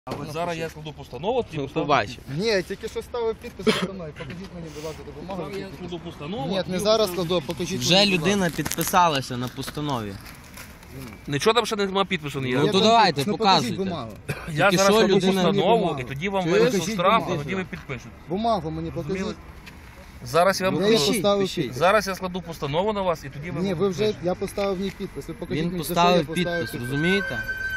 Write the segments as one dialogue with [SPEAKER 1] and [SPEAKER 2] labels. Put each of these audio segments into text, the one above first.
[SPEAKER 1] Зараз я складу постанову, тоді
[SPEAKER 2] побачимо.
[SPEAKER 3] Ні, я тільки що ставив підпис постанови. Покажіть мені, будь ласка, допомогу.
[SPEAKER 1] Я складу постанову.
[SPEAKER 3] Ні, не зараз складу, а покажіть
[SPEAKER 2] Вже
[SPEAKER 3] мені, будь
[SPEAKER 2] людина
[SPEAKER 3] ласка.
[SPEAKER 2] підписалася на постанові.
[SPEAKER 1] Нічого там ще немає підпису ніякого.
[SPEAKER 2] Ну то давайте,
[SPEAKER 3] Ну,
[SPEAKER 2] показуйте.
[SPEAKER 3] покажіть бумагу.
[SPEAKER 1] Я
[SPEAKER 2] Тільки
[SPEAKER 1] зараз
[SPEAKER 2] що
[SPEAKER 1] складу
[SPEAKER 2] людина-
[SPEAKER 1] постанову, і тоді вам
[SPEAKER 3] Чуєш?
[SPEAKER 1] винесуть
[SPEAKER 3] Покажіть
[SPEAKER 1] штраф,
[SPEAKER 3] бумагу.
[SPEAKER 1] і тоді ви підпишете.
[SPEAKER 3] Бумагу мені покажіть.
[SPEAKER 1] Зараз я вам
[SPEAKER 3] Я її
[SPEAKER 1] покажу.
[SPEAKER 3] поставив
[SPEAKER 2] пишіть.
[SPEAKER 3] підпис.
[SPEAKER 1] Зараз я складу постанову на вас, і тоді ви
[SPEAKER 3] Ні, ви вже,
[SPEAKER 1] підпишете.
[SPEAKER 3] я поставив в ній підпис. Ви покажіть
[SPEAKER 2] Він
[SPEAKER 3] мені, за що
[SPEAKER 2] поставив
[SPEAKER 3] я поставив
[SPEAKER 2] підпис, розумієте?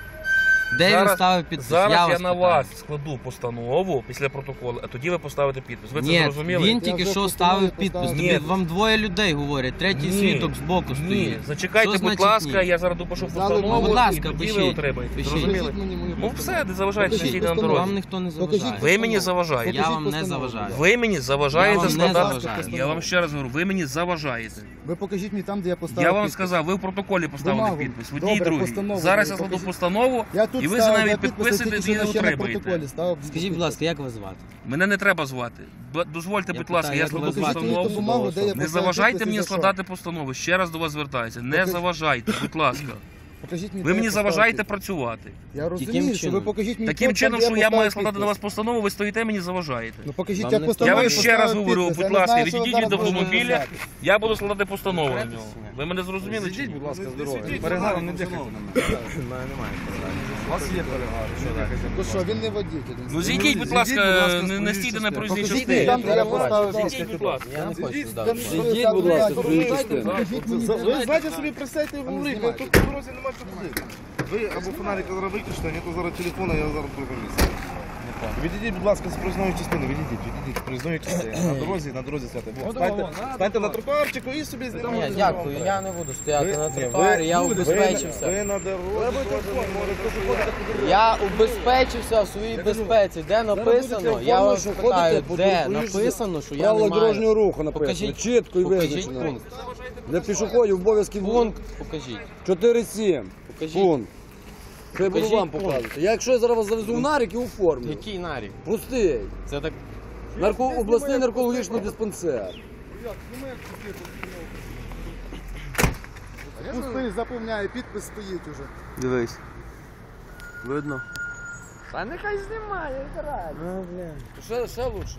[SPEAKER 2] Де він
[SPEAKER 1] Зараз-
[SPEAKER 2] ставив підпис?
[SPEAKER 1] Зараз я
[SPEAKER 2] вас
[SPEAKER 1] на
[SPEAKER 2] питаю.
[SPEAKER 1] вас складу постанову після протоколу, а тоді ви поставите підпис. Ви це
[SPEAKER 2] Ні,
[SPEAKER 1] зрозуміли?
[SPEAKER 2] він
[SPEAKER 3] Я
[SPEAKER 2] тільки
[SPEAKER 3] вже
[SPEAKER 2] що
[SPEAKER 3] постанову
[SPEAKER 2] ставив підпис.
[SPEAKER 3] поставив.
[SPEAKER 2] Тобі
[SPEAKER 1] Ні.
[SPEAKER 2] вам двоє людей говорять, третій
[SPEAKER 1] Ні.
[SPEAKER 2] свідок збоку
[SPEAKER 1] Ні,
[SPEAKER 2] стоїть.
[SPEAKER 1] зачекайте,
[SPEAKER 2] Що
[SPEAKER 1] будь
[SPEAKER 2] значить
[SPEAKER 1] ласка,
[SPEAKER 2] ні?
[SPEAKER 1] я зараз допишу
[SPEAKER 3] Зали-
[SPEAKER 1] постанову,
[SPEAKER 3] Ну, будь
[SPEAKER 2] ласка,
[SPEAKER 1] і тоді ви
[SPEAKER 2] пишіть.
[SPEAKER 1] отримаєте.
[SPEAKER 2] Пишіть.
[SPEAKER 1] Зрозуміли?
[SPEAKER 3] Покажіть мені мою
[SPEAKER 1] Ну
[SPEAKER 3] постанову.
[SPEAKER 1] все, не заважайте,
[SPEAKER 3] Покажіть
[SPEAKER 1] сидіть на
[SPEAKER 3] постанову.
[SPEAKER 1] дорозі.
[SPEAKER 2] Вам ніхто не
[SPEAKER 3] Покажіть
[SPEAKER 2] заважає.
[SPEAKER 1] Ви мені заважаєте.
[SPEAKER 2] Я вам не
[SPEAKER 3] постанову,
[SPEAKER 2] заважаю.
[SPEAKER 3] будь
[SPEAKER 1] Ви мені
[SPEAKER 2] Я
[SPEAKER 1] заважаєте
[SPEAKER 2] вам не
[SPEAKER 1] складати.
[SPEAKER 2] заважаю.
[SPEAKER 1] Я вам ще раз говорю, ви мені заважаєте.
[SPEAKER 3] Ви покажіть мені там, де я поставив
[SPEAKER 1] Я вам
[SPEAKER 3] підпис.
[SPEAKER 1] сказав, ви в протоколі поставили
[SPEAKER 3] Бумагу.
[SPEAKER 1] підпис. В одній
[SPEAKER 3] Добре,
[SPEAKER 1] другій.
[SPEAKER 3] постанову
[SPEAKER 1] Зараз я
[SPEAKER 3] мені
[SPEAKER 1] складу
[SPEAKER 3] покажіть.
[SPEAKER 1] постанову,
[SPEAKER 3] Я тут
[SPEAKER 1] і ви за
[SPEAKER 3] ставив,
[SPEAKER 1] нею
[SPEAKER 3] я підписи
[SPEAKER 1] підписуєте
[SPEAKER 3] тільки
[SPEAKER 1] і
[SPEAKER 3] що ще на
[SPEAKER 1] отримаєте.
[SPEAKER 3] протоколі ставив.
[SPEAKER 2] Скажіть, будь ласка, як вас звати?
[SPEAKER 1] Мене не треба звати. Дозвольте,
[SPEAKER 2] Я
[SPEAKER 1] будь ласка,
[SPEAKER 2] питаю,
[SPEAKER 1] я
[SPEAKER 2] як
[SPEAKER 1] складу
[SPEAKER 2] вас звати?
[SPEAKER 1] постанову.
[SPEAKER 3] Ту бумагу, де я
[SPEAKER 1] Не
[SPEAKER 3] поставив
[SPEAKER 1] заважайте
[SPEAKER 3] підпис і
[SPEAKER 1] мені
[SPEAKER 3] за що?
[SPEAKER 1] складати постанову. Ще раз до вас звертаюся. Не
[SPEAKER 3] Покажіть.
[SPEAKER 1] заважайте, будь ласка.
[SPEAKER 3] Покажіть мені,
[SPEAKER 1] Ви
[SPEAKER 3] де
[SPEAKER 1] мені
[SPEAKER 3] я поставив
[SPEAKER 1] заважаєте
[SPEAKER 3] підпис.
[SPEAKER 1] працювати.
[SPEAKER 3] Я
[SPEAKER 2] Яким
[SPEAKER 3] розумію, що ви
[SPEAKER 2] чином?
[SPEAKER 3] покажіть мені
[SPEAKER 1] Таким
[SPEAKER 3] там,
[SPEAKER 1] чином,
[SPEAKER 3] де
[SPEAKER 1] що я
[SPEAKER 3] поставив
[SPEAKER 1] маю складати на вас
[SPEAKER 3] підпис.
[SPEAKER 1] постанову, ви стоїте, мені заважаєте.
[SPEAKER 3] Ну покажіть,
[SPEAKER 2] Вам
[SPEAKER 3] як
[SPEAKER 2] не
[SPEAKER 3] постанову
[SPEAKER 1] Я вам
[SPEAKER 3] поставив
[SPEAKER 1] ще раз говорю,
[SPEAKER 3] підпис. Я
[SPEAKER 1] будь
[SPEAKER 3] не
[SPEAKER 1] ласка,
[SPEAKER 3] знаю, що
[SPEAKER 1] відійдіть
[SPEAKER 3] зараз
[SPEAKER 1] від
[SPEAKER 3] буде
[SPEAKER 1] автомобіля,
[SPEAKER 3] взяти.
[SPEAKER 1] я буду складати постанову на нього. Ви мене зрозуміли? чи ні?
[SPEAKER 4] Будь ласка, здоров'я. Перегаром не дихайте на мене. У вас є перегар.
[SPEAKER 3] Ну що, він не водій.
[SPEAKER 1] Ну зійдіть, будь ласка, не стійте на проїзній
[SPEAKER 3] Покажіть
[SPEAKER 1] частині.
[SPEAKER 3] там, де я поставив
[SPEAKER 1] Зійдіть,
[SPEAKER 3] підпис.
[SPEAKER 1] будь ласка.
[SPEAKER 2] Я не хочу туди.
[SPEAKER 4] Зійдіть, будь ласка, з другої частини.
[SPEAKER 3] Покажіть мені, де
[SPEAKER 4] Ви знаєте собі, присядьте і говоріть,
[SPEAKER 3] знімайте.
[SPEAKER 4] тут по дорозі нема що ходити. Ви або фонарика зараз виключите, а не то зараз телефона, я зараз в другому місці. Відійдіть, будь ласка, з проїзної частини, відійдіть з проїзної частини. На дорозі сядьте. Станьте на тротуарчику і собі
[SPEAKER 2] Ні,
[SPEAKER 4] знімайте.
[SPEAKER 2] дякую, я не буду стояти на
[SPEAKER 4] Ні,
[SPEAKER 2] тротуарі, я убезпечився.
[SPEAKER 4] Ви на дорозі теж не можете.
[SPEAKER 2] Я убезпечився в своїй безпеці. Де написано? Я вас питаю, де написано, що я не
[SPEAKER 5] Правила
[SPEAKER 2] маю.
[SPEAKER 5] дорожнього руху написано.
[SPEAKER 2] Покажіть,
[SPEAKER 5] Чітко і
[SPEAKER 2] покажіть
[SPEAKER 5] визначено.
[SPEAKER 2] пункт.
[SPEAKER 5] Для пішоходів обов'язків
[SPEAKER 2] Пункт покажіть.
[SPEAKER 5] 4.7.
[SPEAKER 2] Покажіть.
[SPEAKER 5] Пункт. Що я буду
[SPEAKER 2] Покажіть
[SPEAKER 5] вам
[SPEAKER 2] пункт.
[SPEAKER 5] показувати? Я якщо я зараз вас завезу в нарік і оформлю.
[SPEAKER 2] Який нарік?
[SPEAKER 5] Простий.
[SPEAKER 2] Це так.
[SPEAKER 5] Обласний наркологічний диспансер.
[SPEAKER 3] Пустий, запевняю, підпис стоїть уже.
[SPEAKER 5] Дивись. Видно?
[SPEAKER 2] Та нехай знімає, реально. Ще лучше.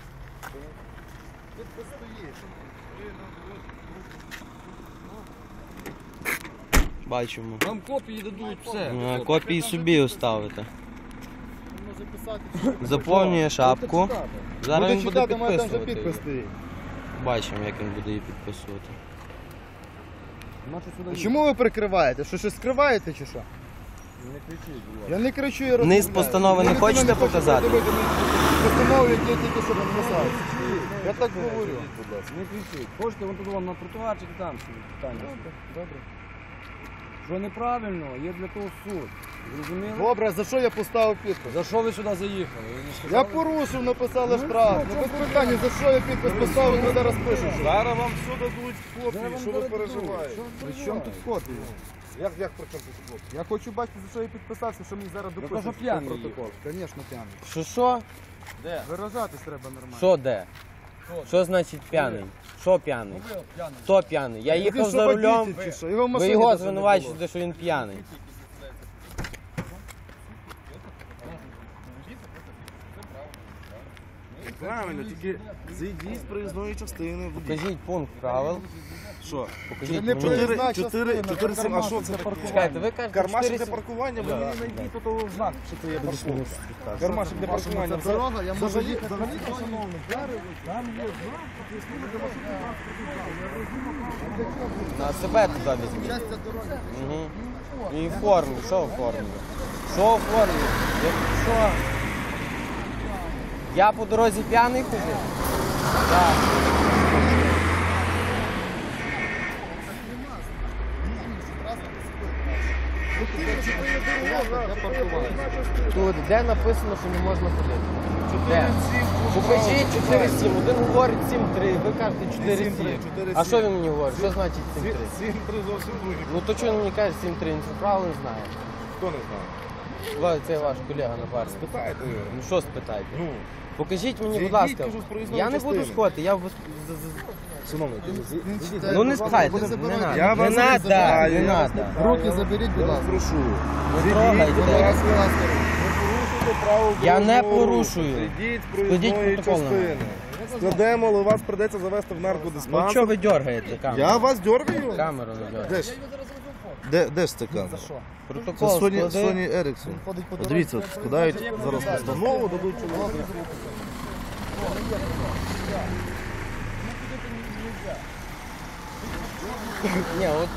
[SPEAKER 3] Підпис стоїть.
[SPEAKER 2] Бачимо.
[SPEAKER 5] Вам копії дадуть все.
[SPEAKER 2] Копії собі оставити.
[SPEAKER 3] Може писати.
[SPEAKER 2] Заповнює шапку. Зараз він
[SPEAKER 3] Буде
[SPEAKER 2] буде
[SPEAKER 3] читати, має там вже
[SPEAKER 2] підписувати.
[SPEAKER 3] підпис
[SPEAKER 2] її.
[SPEAKER 3] стоїть.
[SPEAKER 2] Бачимо, як він буде її підписувати.
[SPEAKER 3] Чому ви прикриваєте? Що щось скриваєте чи що?
[SPEAKER 5] Не кричіть, будь ласка.
[SPEAKER 3] Я не кричу, я
[SPEAKER 2] Низ
[SPEAKER 3] розмовляю.
[SPEAKER 2] постанови не
[SPEAKER 3] Я
[SPEAKER 2] хочете
[SPEAKER 3] не хочу
[SPEAKER 2] показати?
[SPEAKER 3] подивитися постанову, яку я тільки що підписав. Я так говорю.
[SPEAKER 5] Будь ласка, не кричіть. Хочете, вон тут вам на тротуарчик там собі питання.
[SPEAKER 3] Добре.
[SPEAKER 5] Що неправильно, є для того суд. Зрозуміли?
[SPEAKER 3] Добре, за що я поставив підпис?
[SPEAKER 5] За що ви сюди заїхали? Ви не
[SPEAKER 3] Я
[SPEAKER 5] сказали?
[SPEAKER 3] порушив, написали штраф. Ну без питання, за що я підпис поставив, ми зараз пишемо.
[SPEAKER 4] Зараз вам все дадуть копії, що ви переживаєте.
[SPEAKER 3] При чому тут копії?
[SPEAKER 4] Як при чому тут копії?
[SPEAKER 3] Я хочу бачити, за що я підписався, що мені зараз допишуть.
[SPEAKER 5] кажу, п'яний
[SPEAKER 3] протокол. Звісно, п'яний.
[SPEAKER 2] Що?
[SPEAKER 3] Виражатись треба нормально.
[SPEAKER 2] Що де? Що значить п'яний? Що п'яний? Хто п'яний? Я їхав
[SPEAKER 3] Він
[SPEAKER 2] за
[SPEAKER 3] що,
[SPEAKER 2] рулем.
[SPEAKER 3] бандитів чи що? Його в
[SPEAKER 2] Ви
[SPEAKER 3] машині
[SPEAKER 2] його
[SPEAKER 3] навіть не
[SPEAKER 2] звинувачуєте, що він п'яний.
[SPEAKER 4] Правильно, тільки зайдіть з проїзної частини.
[SPEAKER 2] Покажіть пункт правил.
[SPEAKER 4] Що?
[SPEAKER 2] Покажіть
[SPEAKER 3] Не
[SPEAKER 2] мені.
[SPEAKER 3] проїзна
[SPEAKER 4] Чотири,
[SPEAKER 3] частина,
[SPEAKER 4] а що це?
[SPEAKER 2] Чекайте, ви кажете,
[SPEAKER 4] Кармашик
[SPEAKER 2] 4
[SPEAKER 4] для паркування, ви мені знайдіть тут того знак, що це є парковка. Кармашик для паркування.
[SPEAKER 3] Це дорога, я можу їхати.
[SPEAKER 2] на себе туди візьміть.
[SPEAKER 3] Щастя дороги.
[SPEAKER 2] Угу. І оформлю, що оформлю? Що оформлю? Якщо я по дорозі п'яний ходив? Так. Тут де написано, що не можна ходити? Де? Покажіть 4-7. Один говорить 7-3, ви кажете 4-7. А що він мені говорить? Що значить 7-3?
[SPEAKER 4] 7-3 зовсім другі.
[SPEAKER 2] Ну то чого він мені каже 7-3? Він це правило не знає.
[SPEAKER 4] Хто не знає?
[SPEAKER 2] Це ваш колега напарник.
[SPEAKER 4] Питайте.
[SPEAKER 2] Ну що спитайте?
[SPEAKER 4] Ну,
[SPEAKER 2] Покажіть мені, будь
[SPEAKER 4] зайдіть,
[SPEAKER 2] ласка.
[SPEAKER 4] кажу, з проїзної
[SPEAKER 2] Я не буду
[SPEAKER 4] частини.
[SPEAKER 2] сходити, я
[SPEAKER 4] шановний,
[SPEAKER 2] Ну не спитайте, не
[SPEAKER 4] Я
[SPEAKER 2] треба.
[SPEAKER 4] вас
[SPEAKER 2] Не
[SPEAKER 4] не
[SPEAKER 2] треба,
[SPEAKER 4] забираю,
[SPEAKER 2] не
[SPEAKER 4] я вас
[SPEAKER 2] треба.
[SPEAKER 3] Руки заберіть, будь ласка.
[SPEAKER 4] прошу.
[SPEAKER 2] Не трогайте.
[SPEAKER 4] Будь ласка,
[SPEAKER 3] Будь ласка.
[SPEAKER 4] не порушуйте право
[SPEAKER 2] Я не
[SPEAKER 4] дорожнього руху.
[SPEAKER 2] порушую.
[SPEAKER 4] Йдіть з
[SPEAKER 2] Складіть
[SPEAKER 4] проїзної
[SPEAKER 2] протокол на мене.
[SPEAKER 4] частини. Складемо, але вас придеться завести в
[SPEAKER 2] Ну
[SPEAKER 4] наркодиспансер.
[SPEAKER 2] чого ви дергаєте камеру?
[SPEAKER 4] Я вас дергаю?
[SPEAKER 2] Камеру не дергаєте.
[SPEAKER 4] Де ж? Де ж це камера? Це
[SPEAKER 2] Протокол
[SPEAKER 4] Sony
[SPEAKER 2] склади.
[SPEAKER 4] Ericsson. Дивіться, от складають зараз постанову, дадуть чоловіку.
[SPEAKER 2] Ні, от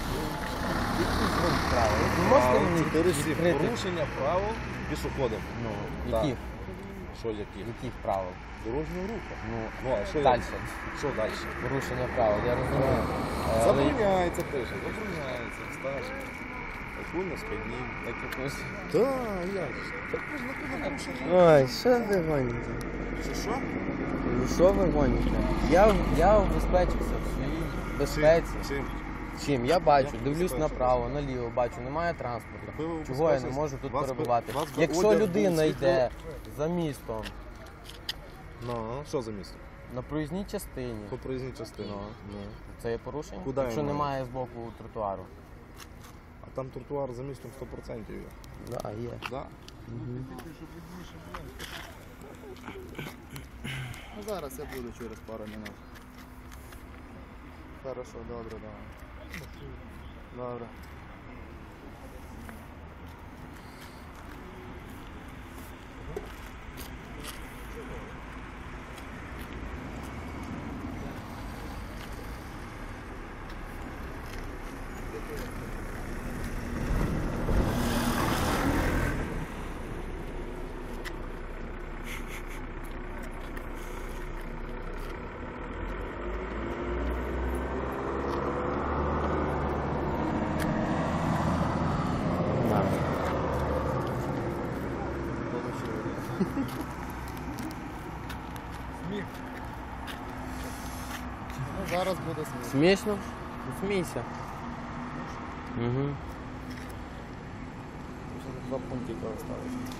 [SPEAKER 2] ви можете мені
[SPEAKER 4] 4-7.
[SPEAKER 2] відкрити?
[SPEAKER 4] Порушення правил пішоходом.
[SPEAKER 2] Ну,
[SPEAKER 4] Так.
[SPEAKER 2] яких?
[SPEAKER 4] Що які?
[SPEAKER 2] Яких правил?
[SPEAKER 4] Дорожнього руху.
[SPEAKER 2] Ну,
[SPEAKER 4] Ну, а що
[SPEAKER 2] далі.
[SPEAKER 4] Що далі?
[SPEAKER 2] Порушення правил, я розумію. Але
[SPEAKER 4] Забороняється, пише. Забороняється. Стаж. Окульно сп'яніння.
[SPEAKER 2] так якось...
[SPEAKER 4] Так, як ж? Так можна куди порушення.
[SPEAKER 2] Ой, що ви гоните?
[SPEAKER 4] Що?
[SPEAKER 2] Ну що ви гоните? Я убезпечився в своїй безпеці.
[SPEAKER 4] Чим?
[SPEAKER 2] Чим? Я бачу,
[SPEAKER 4] Як
[SPEAKER 2] дивлюсь
[SPEAKER 4] убезпечився?
[SPEAKER 2] направо, наліво, бачу, немає транспорту.
[SPEAKER 4] Ви
[SPEAKER 2] Чого я не
[SPEAKER 4] убезпечились?
[SPEAKER 2] можу тут
[SPEAKER 4] Вас
[SPEAKER 2] перебувати?
[SPEAKER 4] вас
[SPEAKER 2] Якщо
[SPEAKER 4] одяг був
[SPEAKER 2] людина
[SPEAKER 4] світло-
[SPEAKER 2] йде за містом
[SPEAKER 4] Ну, що за місто?
[SPEAKER 2] на проїзній частині,
[SPEAKER 4] По проїзній частині.
[SPEAKER 2] Ну. це є порушення?
[SPEAKER 4] Куди
[SPEAKER 2] Якщо
[SPEAKER 4] він має?
[SPEAKER 2] немає з боку тротуару.
[SPEAKER 4] А там тротуар за містом 100% є.
[SPEAKER 2] Да, є.
[SPEAKER 4] Да?
[SPEAKER 3] Ну зараз я буду через пару минут. Хорошо, добре, давай. Добре.
[SPEAKER 2] Да.
[SPEAKER 3] Ну зараз буде сміх.
[SPEAKER 2] Смішно? Ну, смійся. Угу.
[SPEAKER 3] Два пунктика осталось.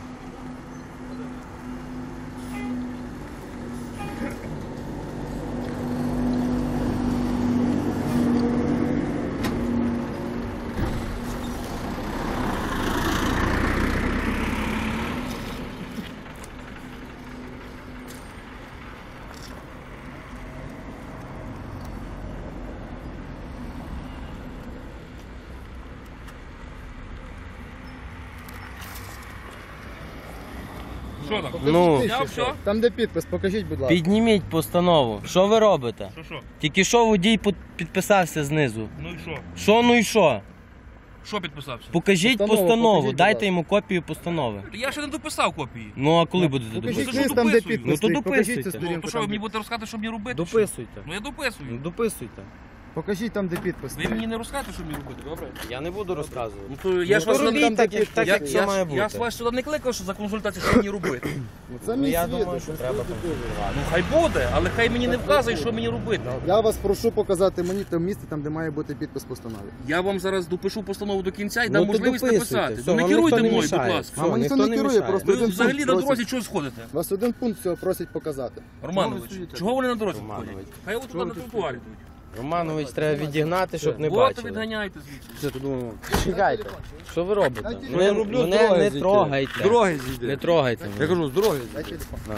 [SPEAKER 1] Що там?
[SPEAKER 2] Ну,
[SPEAKER 1] Зняв все?
[SPEAKER 3] Там де підпис, покажіть, будь ласка.
[SPEAKER 2] підніміть постанову. Що ви робите?
[SPEAKER 1] Що?
[SPEAKER 2] Тільки що водій підписався знизу.
[SPEAKER 1] Ну і що?
[SPEAKER 2] Що, ну і що?
[SPEAKER 1] Що підписався?
[SPEAKER 2] Покажіть
[SPEAKER 3] Постанову,
[SPEAKER 2] постанову,
[SPEAKER 3] покажіть, будь
[SPEAKER 2] дайте
[SPEAKER 3] ласка.
[SPEAKER 2] йому копію постанови.
[SPEAKER 1] Я ще не дописав копії.
[SPEAKER 2] Ну а коли будете
[SPEAKER 3] Покажіть
[SPEAKER 2] дописувати?
[SPEAKER 1] що
[SPEAKER 3] лист там, де
[SPEAKER 1] дописую?
[SPEAKER 3] підпис.
[SPEAKER 2] Ну, то
[SPEAKER 3] стоїть, покажіть
[SPEAKER 2] дописуйте.
[SPEAKER 3] цю
[SPEAKER 1] Ну,
[SPEAKER 3] сторінку,
[SPEAKER 1] то що ви
[SPEAKER 3] там,
[SPEAKER 1] мені
[SPEAKER 3] де-
[SPEAKER 1] будете розказати, що мені робити?
[SPEAKER 2] Дописуйте.
[SPEAKER 1] Ну я дописую.
[SPEAKER 2] Ну дописуйте.
[SPEAKER 3] Покажіть там, де підпис.
[SPEAKER 1] Ви мені не розкажете, що мені робити, добре?
[SPEAKER 2] Я не буду розказувати.
[SPEAKER 1] Ну то я ж
[SPEAKER 2] Ну,
[SPEAKER 1] вас
[SPEAKER 2] то
[SPEAKER 1] не
[SPEAKER 2] робіть так, як все має
[SPEAKER 1] я ж
[SPEAKER 2] бути.
[SPEAKER 1] вас сюди не кликав, що за консультацію, що мені робити.
[SPEAKER 3] Ну, це
[SPEAKER 2] Ну
[SPEAKER 3] мій
[SPEAKER 2] я
[SPEAKER 3] свідок.
[SPEAKER 2] думаю, що треба консультувати.
[SPEAKER 1] Ну хай буде, але хай мені не вказує, що мені робити.
[SPEAKER 3] Я вас прошу показати мені те місце, там, де має бути підпис постанови.
[SPEAKER 1] Я вам зараз допишу постанову до кінця і
[SPEAKER 2] Ну,
[SPEAKER 1] дам
[SPEAKER 2] то
[SPEAKER 1] можливість
[SPEAKER 2] дописуйте.
[SPEAKER 1] написати.
[SPEAKER 2] Все,
[SPEAKER 1] Ну не
[SPEAKER 2] вам
[SPEAKER 1] керуйте
[SPEAKER 2] ніхто не
[SPEAKER 1] мною, будь
[SPEAKER 2] мішає.
[SPEAKER 1] ласка.
[SPEAKER 2] Все,
[SPEAKER 3] Вам ніхто
[SPEAKER 2] ніхто
[SPEAKER 3] не
[SPEAKER 2] не
[SPEAKER 3] керує,
[SPEAKER 2] мішає.
[SPEAKER 3] просто
[SPEAKER 1] Ви
[SPEAKER 3] один
[SPEAKER 1] взагалі
[SPEAKER 3] пункт
[SPEAKER 1] на
[SPEAKER 3] просить.
[SPEAKER 1] дорозі чого сходите?
[SPEAKER 3] Вас один пункт цього просить показати.
[SPEAKER 1] Романович, чого вони на дорозі
[SPEAKER 2] Романович.
[SPEAKER 1] ходять? Хай от туди на тротуарі йдуть.
[SPEAKER 2] Романович треба відігнати, щоб не
[SPEAKER 1] От
[SPEAKER 2] бачили.
[SPEAKER 1] відганяйте звідси.
[SPEAKER 2] Чекайте, що ви робите?
[SPEAKER 3] Я
[SPEAKER 2] Мене,
[SPEAKER 3] роблю,
[SPEAKER 2] мене не трогайте.
[SPEAKER 5] Дороги зійде.
[SPEAKER 2] Не трогайте мене.
[SPEAKER 5] Я кажу, з дороги
[SPEAKER 3] Дай
[SPEAKER 5] зійде.
[SPEAKER 3] телефон.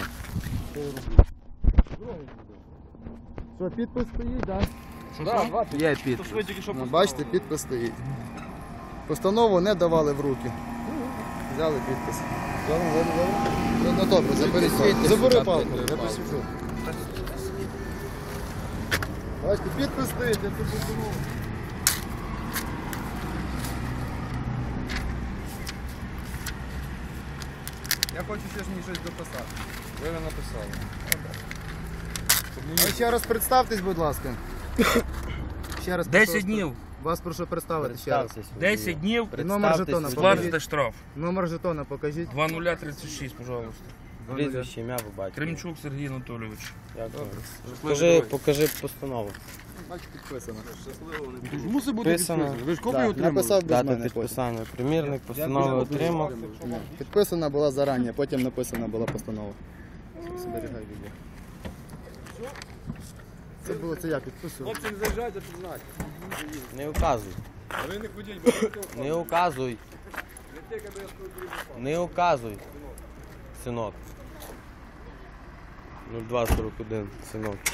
[SPEAKER 3] Що, підпис стоїть, так?
[SPEAKER 5] Є підпис.
[SPEAKER 1] То ж ви тільки що
[SPEAKER 3] Ну, бачите, підпис стоїть. Постанову не давали в руки. Взяли підпис. Ну добре, забери палку. Забери палку, я посвічу. Бачите, підпис стоїть, я тут постанову. Я хочу ще мені щось дописати. Ви не написали. А ще раз представтесь, будь ласка. Ще раз
[SPEAKER 1] 10
[SPEAKER 3] прошу.
[SPEAKER 1] днів.
[SPEAKER 3] Вас прошу представити ще раз.
[SPEAKER 2] Представтесь.
[SPEAKER 1] 10 днів
[SPEAKER 3] Номер жетона
[SPEAKER 1] сплатите штраф.
[SPEAKER 3] Номер жетона покажіть.
[SPEAKER 1] 2036, пожалуйста.
[SPEAKER 2] Прізвище, ім'я ви бачите.
[SPEAKER 1] Кремчук Сергій Анатолійович.
[SPEAKER 2] Покажи постанову.
[SPEAKER 3] Бачите, підписано.
[SPEAKER 5] Мусить бути
[SPEAKER 2] Підписано.
[SPEAKER 5] підписано. Ви ж копію
[SPEAKER 3] Так,
[SPEAKER 5] отримали.
[SPEAKER 3] написав без
[SPEAKER 2] Дата
[SPEAKER 3] мене потім.
[SPEAKER 2] підписання. Примірник постанови отримав.
[SPEAKER 3] Ні, підписана була зарані, потім написана була постанова. Зберігай відео. Це було це я підписував.
[SPEAKER 5] Хлопці, не заїжджайте, тут знати.
[SPEAKER 2] Не указуй.
[SPEAKER 5] Ви не ходіть, бо
[SPEAKER 2] Не указуй. Не указуй. синок. 0241, синок.